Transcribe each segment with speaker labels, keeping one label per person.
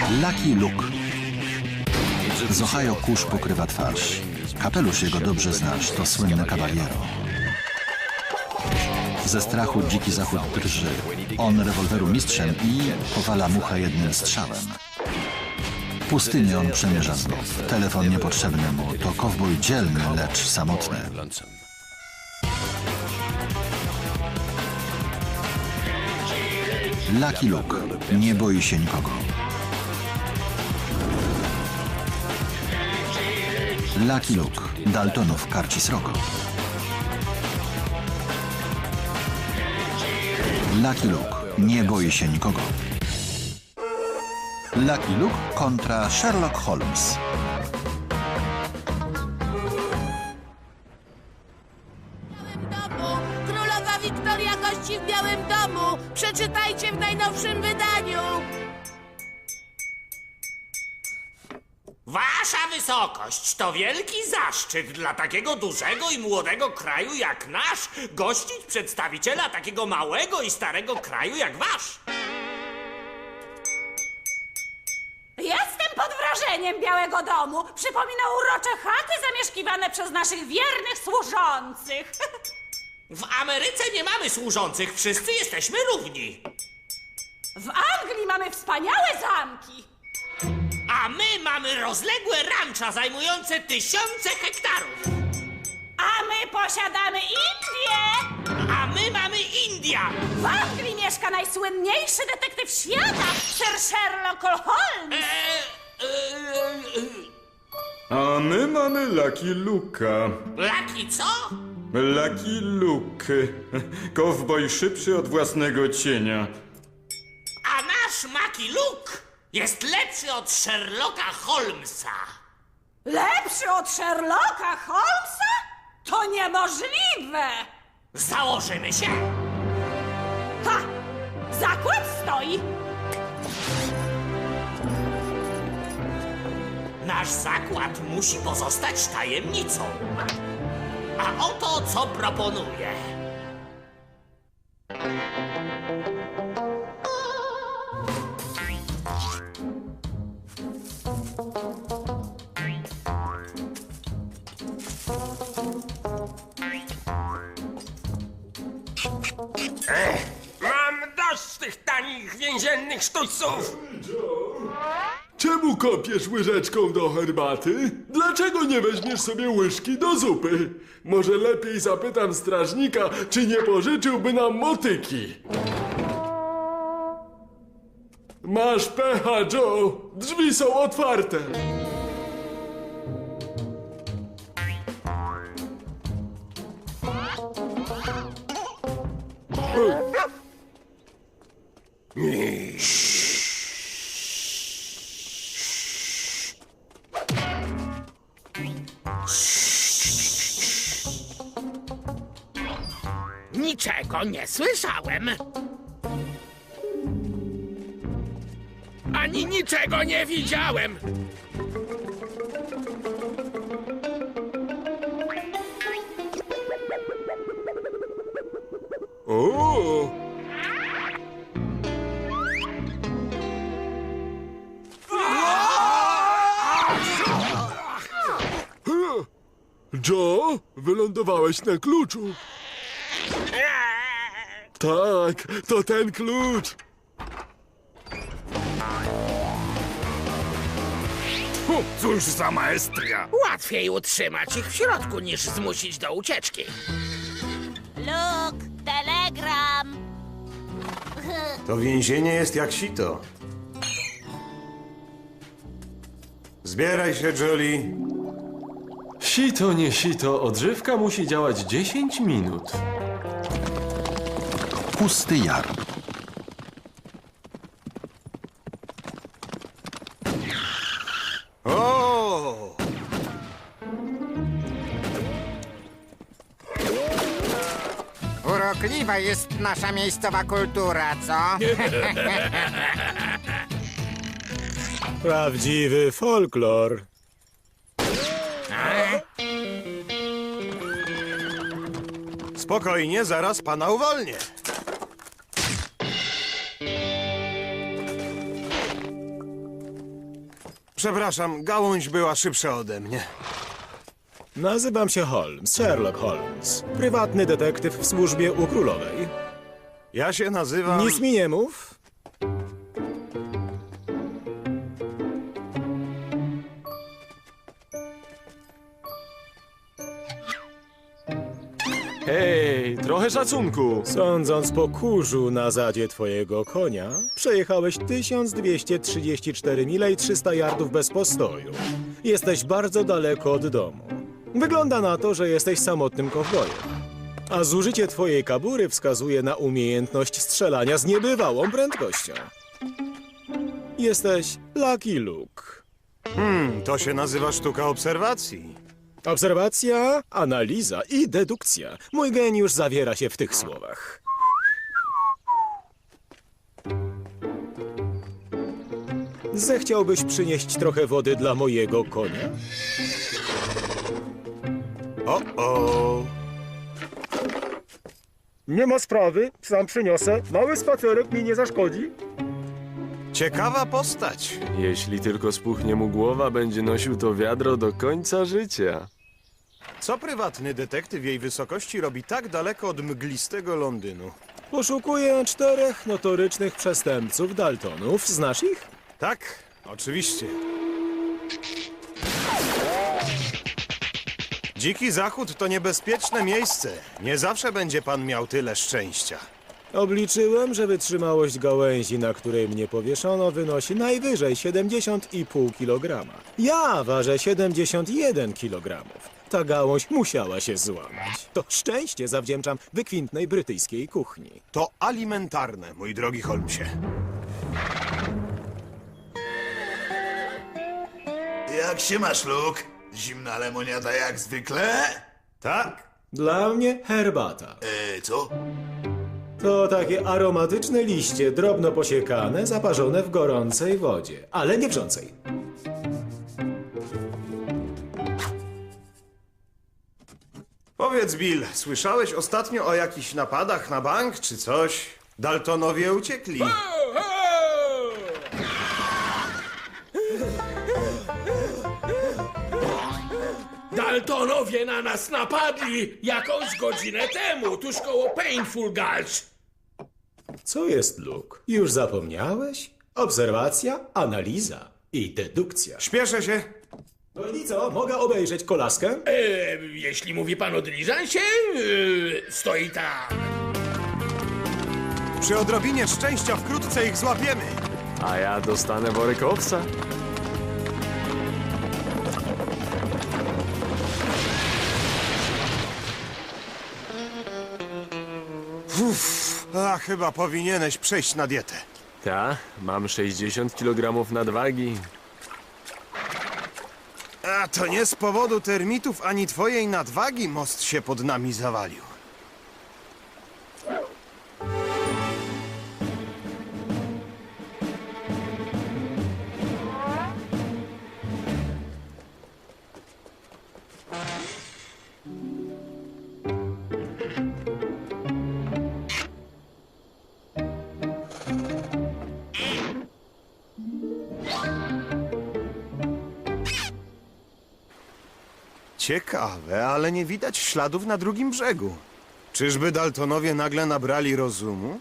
Speaker 1: Lucky Luke. Z Ohio kurz pokrywa twarz. Kapelusz jego dobrze znasz, to słynny Caballero. Ze strachu dziki zachód drży. On rewolweru mistrzem i powala muchę jednym strzałem. Pustynię on przemierza znów. Telefon niepotrzebny mu, to kowboj dzielny, lecz samotny. Lucky Luke nie boi się nikogo. Lucky Luke, Daltonów karci srogo. Lucky Luke nie boi się nikogo. Lucky Luke kontra Sherlock Holmes.
Speaker 2: Królowa Wiktoria gości w Białym Domu. Przeczytajcie w najnowszym wydaniu.
Speaker 3: Wasza wysokość, to wielki zaszczyt dla takiego dużego i młodego kraju jak nasz gościć przedstawiciela takiego małego i starego kraju jak wasz.
Speaker 4: Jestem pod wrażeniem Białego Domu. Przypomina urocze chaty zamieszkiwane przez naszych wiernych służących.
Speaker 3: W Ameryce nie mamy służących, wszyscy jesteśmy równi.
Speaker 4: W Anglii mamy wspaniałe zamki.
Speaker 3: A my mamy rozległe rancza zajmujące tysiące hektarów.
Speaker 4: A my posiadamy Indię.
Speaker 3: A my mamy India.
Speaker 4: W Anglii mieszka najsłynniejszy detektyw świata, Sir Sherlock Holmes.
Speaker 5: A my mamy Lucky Luke'a.
Speaker 3: Laki co?
Speaker 5: Lucky Luke. Kowboj szybszy od własnego cienia.
Speaker 3: A nasz Maki Luke jest lepszy od Sherlocka Holmesa.
Speaker 4: Lepszy od Sherlocka Holmesa? To niemożliwe!
Speaker 3: Założymy się.
Speaker 4: Ha! Zakład stoi!
Speaker 3: Nasz zakład musi pozostać tajemnicą. A oto co proponuję.
Speaker 6: Mam dość tych tanich więziennych sztućców!
Speaker 7: Czemu kopiesz łyżeczką do herbaty? Dlaczego nie weźmiesz sobie łyżki do zupy? Może lepiej zapytam strażnika, czy nie pożyczyłby nam motyki? Masz pecha, Joe! Drzwi są otwarte!
Speaker 8: Niczego nie słyszałem. Ani niczego nie widziałem.
Speaker 7: O! Joe, wylądowałeś na kluczu. Tak, to ten klucz.
Speaker 6: Cóż za maestria!
Speaker 8: Łatwiej utrzymać ich w środku, niż zmusić do ucieczki.
Speaker 2: Luke, telegram.
Speaker 9: To więzienie jest jak sito. Zbieraj się, Jolie.
Speaker 10: Sito, nie sito, odżywka musi działać 10 minut.
Speaker 1: Pusty jar.
Speaker 9: O!
Speaker 11: Urokliwa jest nasza miejscowa kultura, co?
Speaker 12: Prawdziwy folklor.
Speaker 9: Spokojnie, zaraz pana uwolnię. Przepraszam, gałąź była szybsza ode mnie.
Speaker 12: Nazywam się Holmes, Sherlock Holmes. Prywatny detektyw w służbie u królowej.
Speaker 9: Ja się nazywam...
Speaker 12: Nic mi nie mów.
Speaker 10: Hej, trochę szacunku.
Speaker 12: Sądząc po kurzu na zadzie twojego konia, przejechałeś 1234 mile i 300 yardów bez postoju. Jesteś bardzo daleko od domu. Wygląda na to, że jesteś samotnym kowbojem. A zużycie twojej kabury wskazuje na umiejętność strzelania z niebywałą prędkością. Jesteś Lucky Luke.
Speaker 9: To się nazywa sztuka obserwacji.
Speaker 12: Obserwacja, analiza i dedukcja. Mój geniusz zawiera się w tych słowach. Zechciałbyś przynieść trochę wody dla mojego konia?
Speaker 9: O.
Speaker 12: Nie ma sprawy, sam przyniosę. Mały spacerek mi nie zaszkodzi.
Speaker 9: Ciekawa postać.
Speaker 10: Jeśli tylko spuchnie mu głowa, będzie nosił to wiadro do końca życia.
Speaker 9: Co prywatny detektyw jej wysokości robi tak daleko od mglistego Londynu?
Speaker 12: Poszukuję 4 notorycznych przestępców Daltonów. Znasz ich?
Speaker 9: Tak, oczywiście. Dziki Zachód to niebezpieczne miejsce. Nie zawsze będzie pan miał tyle szczęścia.
Speaker 12: Obliczyłem, że wytrzymałość gałęzi, na której mnie powieszono, wynosi najwyżej 70,5 kg. Ja ważę 71 kg. Ta gałąź musiała się złamać. To szczęście zawdzięczam wykwintnej brytyjskiej kuchni.
Speaker 9: To alimentarne, mój drogi Holmesie.
Speaker 13: Jak się masz, Luke? Zimna lemoniada jak zwykle?
Speaker 9: Tak?
Speaker 12: Dla mnie herbata.
Speaker 13: Co?
Speaker 12: To takie aromatyczne liście, drobno posiekane, zaparzone w gorącej wodzie, ale nie wrzącej.
Speaker 9: Powiedz, Bill, słyszałeś ostatnio o jakichś napadach na bank czy coś? Daltonowie uciekli.
Speaker 6: Daltonowie na nas napadli jakąś godzinę temu, tuż koło Painful Gulch.
Speaker 12: Co jest, Luke? Już zapomniałeś? Obserwacja, analiza i dedukcja.
Speaker 9: Śpieszę się.
Speaker 12: No i co, mogę obejrzeć kolaskę?
Speaker 6: Jeśli mówi pan o dyliżansie, stoi tak.
Speaker 9: Przy odrobinie szczęścia wkrótce ich złapiemy.
Speaker 10: A ja dostanę worek owsa.
Speaker 9: Chyba powinieneś przejść na dietę.
Speaker 10: Ta, mam 60 kg nadwagi.
Speaker 9: A to nie z powodu termitów ani twojej nadwagi most się pod nami zawalił. Ciekawe, ale nie widać śladów na drugim brzegu. Czyżby Daltonowie nagle nabrali rozumu?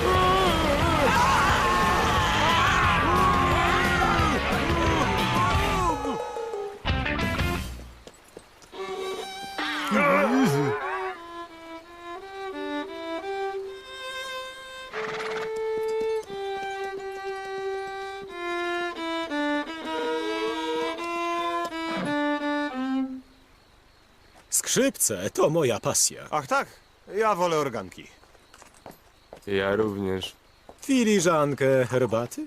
Speaker 12: Skrzypce to moja pasja.
Speaker 9: Ach tak, ja wolę organki.
Speaker 10: Ja również.
Speaker 12: Filiżankę herbaty?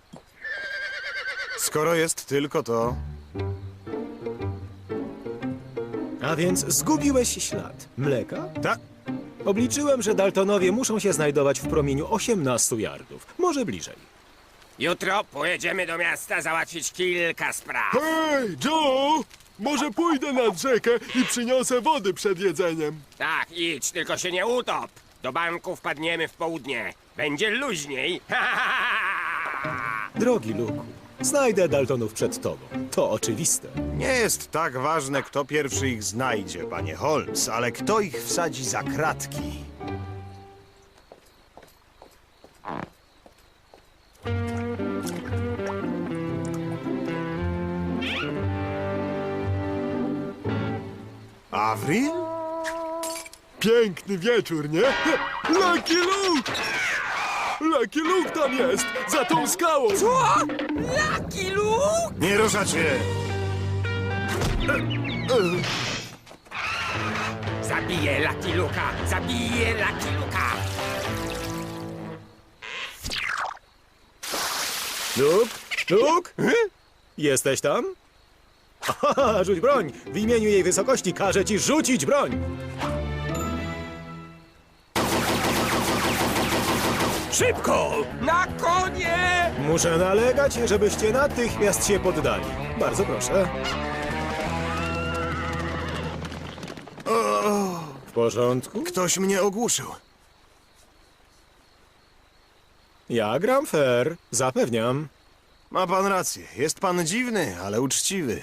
Speaker 9: Skoro jest tylko to...
Speaker 12: A więc zgubiłeś ślad. Mleka?
Speaker 9: Tak.
Speaker 12: Obliczyłem, że Daltonowie muszą się znajdować w promieniu 18 yardów. Może bliżej.
Speaker 8: Jutro pojedziemy do miasta załatwić kilka spraw.
Speaker 7: Hej, Joe! Może pójdę nad rzekę i przyniosę wody przed jedzeniem.
Speaker 8: Tak, idź, tylko się nie utop. Do banku wpadniemy w południe. Będzie luźniej.
Speaker 12: Drogi Luku, Znajdę Daltonów przed tobą. To oczywiste.
Speaker 9: Nie jest tak ważne, kto pierwszy ich znajdzie, panie Holmes, ale kto ich wsadzi za kratki. Avril?
Speaker 7: Piękny wieczór, nie? Lucky Luke! Lucky Luke tam jest! Za tą skałą!
Speaker 8: Co? Lucky Luke?
Speaker 9: Nie ruszać się!
Speaker 8: Zabiję Lucky Luke'a! Zabiję Lucky Luke'a!
Speaker 12: Luke? Luke? Jesteś tam? Aha, rzuć broń! W imieniu jej wysokości każę ci rzucić broń! Szybko!
Speaker 8: Na konie!
Speaker 12: Muszę nalegać, żebyście natychmiast się poddali. Bardzo proszę. W porządku?
Speaker 9: Ktoś mnie ogłuszył.
Speaker 12: Ja gram fair, zapewniam.
Speaker 9: Ma pan rację. Jest pan dziwny, ale uczciwy.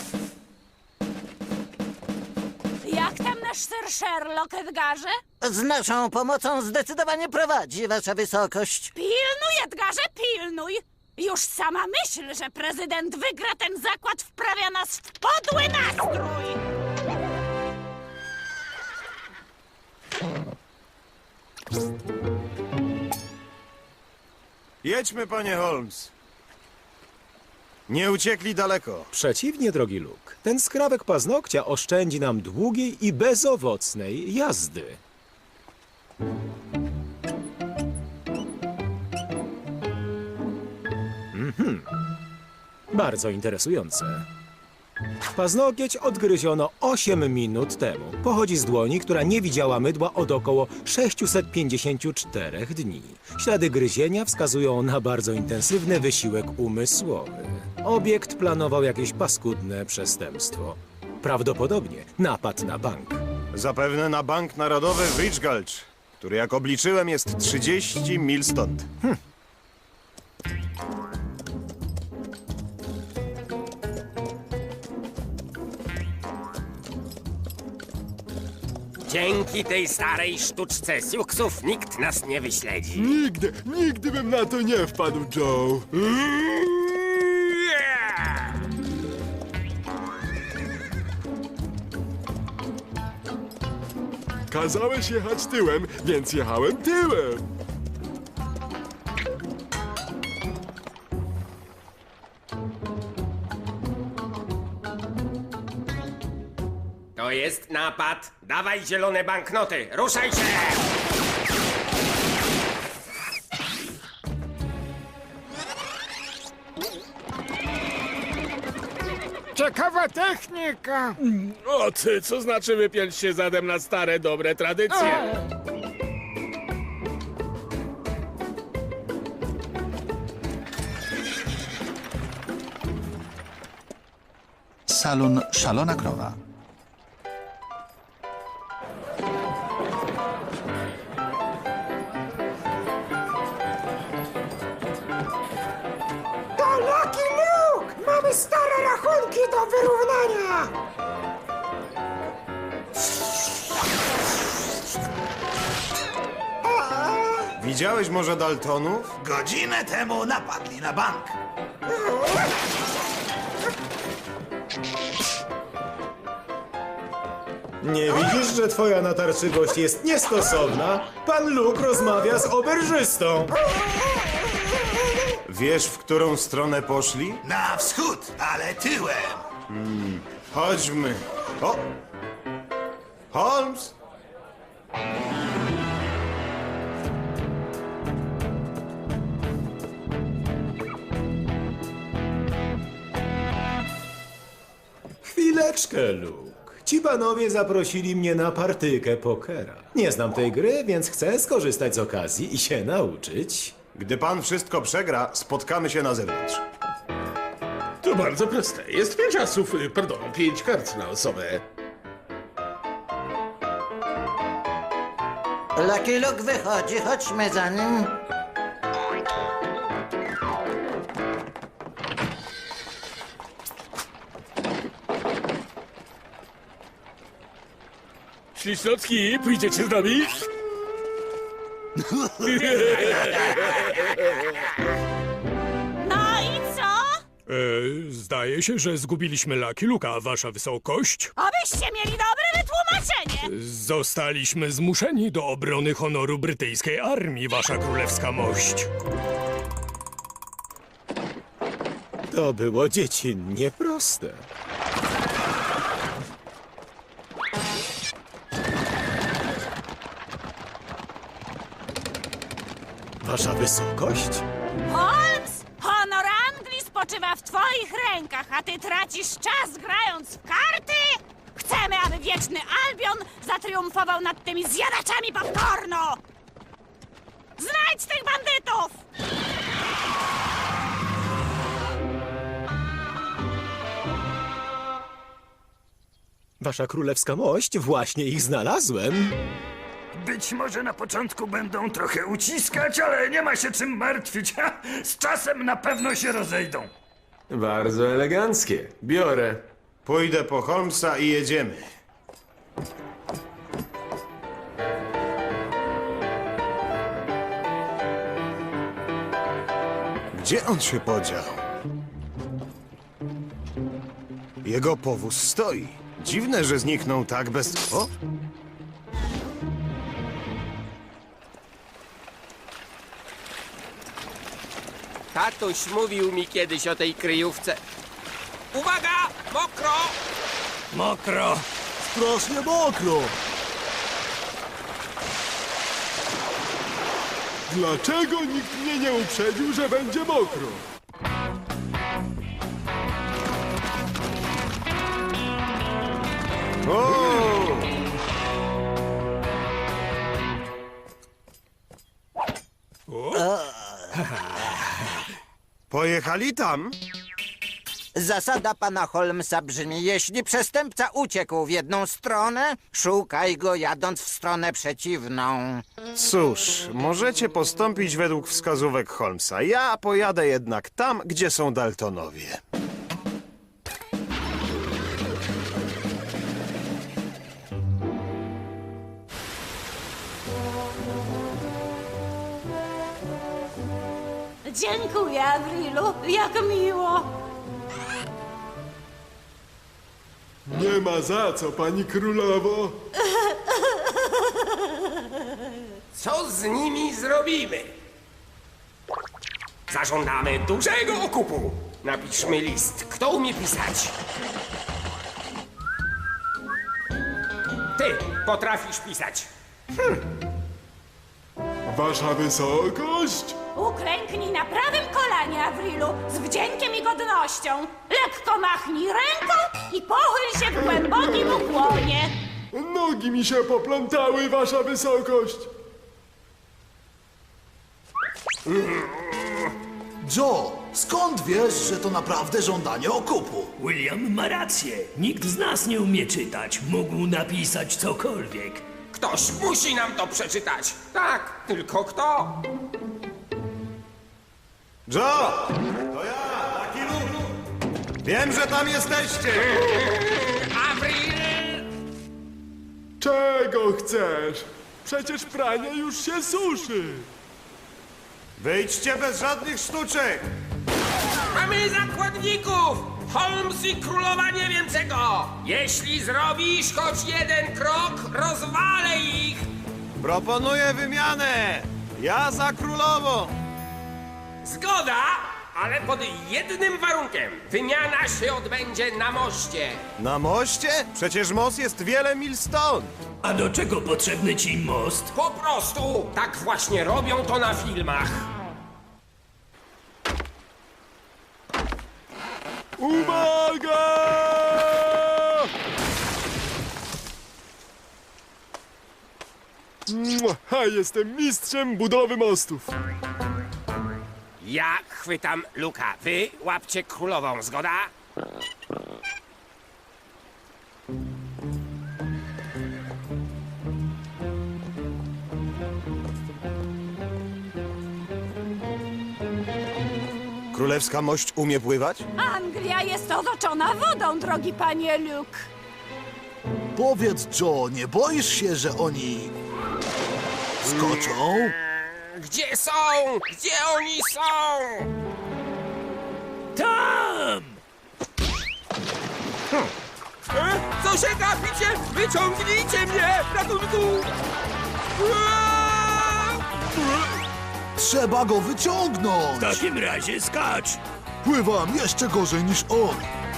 Speaker 4: Jak tam nasz Sir Sherlock, Edgarze?
Speaker 14: Z naszą pomocą zdecydowanie prowadzi, wasza wysokość.
Speaker 4: Pilnuj, Edgarze, pilnuj! Już sama myśl, że prezydent wygra ten zakład, wprawia nas w podły nastrój!
Speaker 9: Jedźmy, panie Holmes. Nie uciekli daleko.
Speaker 12: Przeciwnie, drogi Luke. Ten skrawek paznokcia oszczędzi nam długiej i bezowocnej jazdy. Bardzo interesujące. Paznokieć odgryziono 8 minut temu. Pochodzi z dłoni, która nie widziała mydła od około 654 dni. Ślady gryzienia wskazują na bardzo intensywny wysiłek umysłowy. Obiekt planował jakieś paskudne przestępstwo. Prawdopodobnie napad na bank.
Speaker 9: Zapewne na Bank Narodowy w Rich Gulch, który jak obliczyłem jest 30 mil stąd.
Speaker 8: Dzięki tej starej sztuczce siuksów nikt nas nie wyśledzi.
Speaker 7: Nigdy bym na to nie wpadł, Joe. Kazałeś jechać tyłem, więc jechałem tyłem.
Speaker 8: To jest napad. Dawaj zielone banknoty. Ruszaj się!
Speaker 11: Ciekawa technika.
Speaker 6: O ty, co znaczy wypiąć się zadem na stare, dobre tradycje?
Speaker 1: Salon Szalona Krowa.
Speaker 11: To Lucky Luke! Mamy stare rachunki do wyrównania!
Speaker 9: Widziałeś może Daltonów?
Speaker 13: Godzinę temu napadli na bank.
Speaker 12: Nie widzisz, że twoja natarczywość jest niestosowna? Pan Luke rozmawia z oberżystą.
Speaker 9: Wiesz, w którą stronę poszli?
Speaker 13: Na wschód, ale tyłem.
Speaker 9: Chodźmy. O! Holmes!
Speaker 12: Chwileczkę, Luke. Ci panowie zaprosili mnie na partyjkę pokera. Nie znam tej gry, więc chcę skorzystać z okazji i się nauczyć.
Speaker 9: Gdy pan wszystko przegra, spotkamy się na zewnątrz.
Speaker 6: To bardzo proste. Jest 5 asów, 5 kart na osobę.
Speaker 14: Lucky Luke wychodzi, chodźmy za nim.
Speaker 6: Ślicznotki, pójdziecie z nami?
Speaker 4: No i co?
Speaker 15: Zdaje się, że zgubiliśmy Lucky Luka, wasza wysokość.
Speaker 4: Obyście mieli dobre wytłumaczenie!
Speaker 15: Zostaliśmy zmuszeni do obrony honoru brytyjskiej armii, wasza królewska mość.
Speaker 12: To było dziecinnie proste. Wasza wysokość?
Speaker 4: Holmes, honor Anglii spoczywa w twoich rękach, a ty tracisz czas grając w karty? Chcemy, aby wieczny Albion zatriumfował nad tymi zjadaczami popcornu! Znajdź tych bandytów!
Speaker 12: Wasza królewska mość, właśnie ich znalazłem.
Speaker 16: Być może na początku będą trochę uciskać, ale nie ma się czym martwić. Z czasem na pewno się rozejdą.
Speaker 10: Bardzo eleganckie. Biorę.
Speaker 9: Pójdę po Holmesa i jedziemy. Gdzie on się podział? Jego powóz stoi. Dziwne, że zniknął tak bez... O!
Speaker 8: Tatuś mówił mi kiedyś o tej kryjówce. Uwaga! Mokro!
Speaker 16: Mokro.
Speaker 7: Strasznie mokro. Dlaczego nikt mnie nie uprzedził, że będzie mokro?
Speaker 9: Pojechali tam?
Speaker 14: Zasada pana Holmesa brzmi, jeśli przestępca uciekł w jedną stronę, szukaj go jadąc w stronę przeciwną.
Speaker 9: Cóż, możecie postąpić według wskazówek Holmesa. Ja pojadę jednak tam, gdzie są Daltonowie.
Speaker 4: Dziękuję, Avrilu, jak miło.
Speaker 7: Nie ma za co, pani królowo.
Speaker 8: Co z nimi zrobimy? Zażądamy dużego okupu. Napiszmy list. Kto umie pisać? Ty potrafisz pisać.
Speaker 7: Wasza wysokość?
Speaker 4: Uklęknij na prawym kolanie, Avrilu, z wdziękiem i godnością. Lekko machnij ręką i pochyl się w głębokim ukłonie.
Speaker 7: Nogi mi się poplątały, wasza wysokość.
Speaker 13: Joe, skąd wiesz, że to naprawdę żądanie okupu?
Speaker 16: William ma rację. Nikt z nas nie umie czytać. Mógł napisać cokolwiek.
Speaker 8: Ktoś musi nam to przeczytać. Tak, tylko kto?
Speaker 9: Joe! To ja, Lucky Luke. Wiem, że tam jesteście.
Speaker 8: Avril!
Speaker 7: Czego chcesz? Przecież pranie już się suszy.
Speaker 9: Wyjdźcie bez żadnych sztuczek.
Speaker 8: Mamy zakładników! Holmes i królowa nie wiem czego! Jeśli zrobisz choć jeden krok, rozwalę ich!
Speaker 9: Proponuję wymianę. Ja za królową.
Speaker 8: Zgoda, ale pod jednym warunkiem. Wymiana się odbędzie na moście.
Speaker 9: Na moście? Przecież most jest wiele mil stąd.
Speaker 16: A do czego potrzebny ci most?
Speaker 8: Po prostu tak właśnie robią to na filmach.
Speaker 7: Uwaga! A jestem mistrzem budowy mostów.
Speaker 8: Ja chwytam Luka, wy łapcie królową, zgoda?
Speaker 9: Królewska mość umie pływać?
Speaker 4: Anglia jest otoczona wodą, drogi panie Luke.
Speaker 13: Powiedz, Joe, nie boisz się, że oni... skoczą?
Speaker 8: Gdzie są? Gdzie oni są?
Speaker 15: Tam!
Speaker 8: Co się gapicie? Wyciągnijcie mnie! Ratunku!
Speaker 13: Trzeba go wyciągnąć!
Speaker 15: W takim razie skacz!
Speaker 13: Pływam jeszcze gorzej niż on!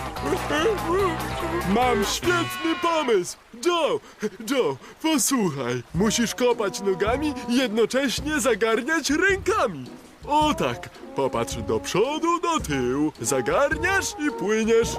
Speaker 7: Mam świetny pomysł! Joe, posłuchaj. Musisz kopać nogami i jednocześnie zagarniać rękami. O tak, popatrz do przodu, do tyłu. Zagarniasz i płyniesz.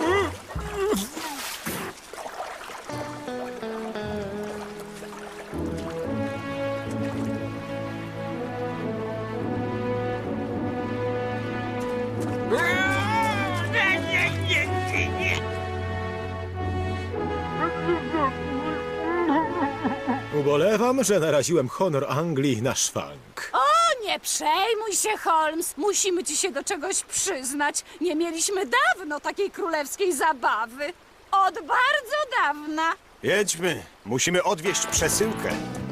Speaker 12: Ubolewam, że naraziłem honor Anglii na szwank.
Speaker 4: O, nie przejmuj się, Holmes. Musimy ci się do czegoś przyznać. Nie mieliśmy dawno takiej królewskiej zabawy. Od bardzo dawna.
Speaker 9: Jedźmy, musimy odwieźć przesyłkę.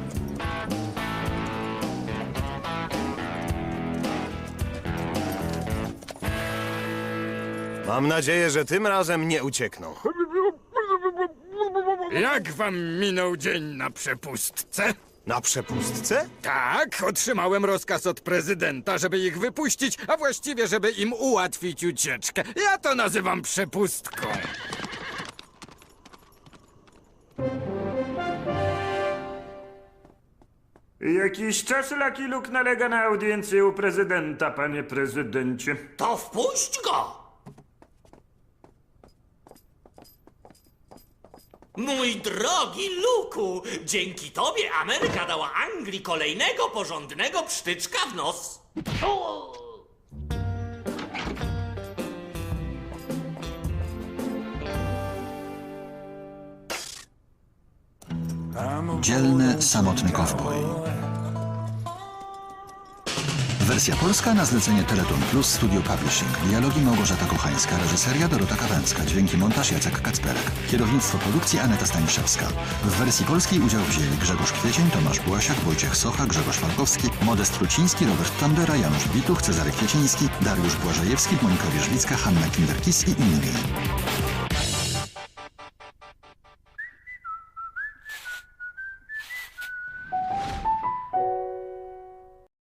Speaker 9: Mam nadzieję, że tym razem nie uciekną.
Speaker 16: Jak wam minął dzień na przepustce?
Speaker 9: Na przepustce?
Speaker 16: Tak, otrzymałem rozkaz od prezydenta, żeby ich wypuścić, a właściwie, żeby im ułatwić ucieczkę. Ja to nazywam przepustką.
Speaker 17: Jakiś czas Lucky Luke nalega na audiencję u prezydenta, panie prezydencie.
Speaker 3: To wpuść go! Mój drogi Luku, dzięki tobie Ameryka dała Anglii kolejnego porządnego psztyczka w nos.
Speaker 1: Dzielny, samotny kowboj. Wersja polska na zlecenie Teleton Plus Studio Publishing. Dialogi Małgorzata Kochańska, reżyseria Dorota Kawęcka, dźwięki montaż Jacek Kacperek, kierownictwo produkcji Aneta Staniszewska. W wersji polskiej udział wzięli Grzegorz Kwiecień, Tomasz Błasiak, Wojciech Socha, Grzegorz Falkowski, Modest Truciński, Robert Tandera, Janusz Bituch, Cezary Kwieciński, Dariusz Błażejewski, Monika Wierzbicka, Hanna Kinderkis i inni.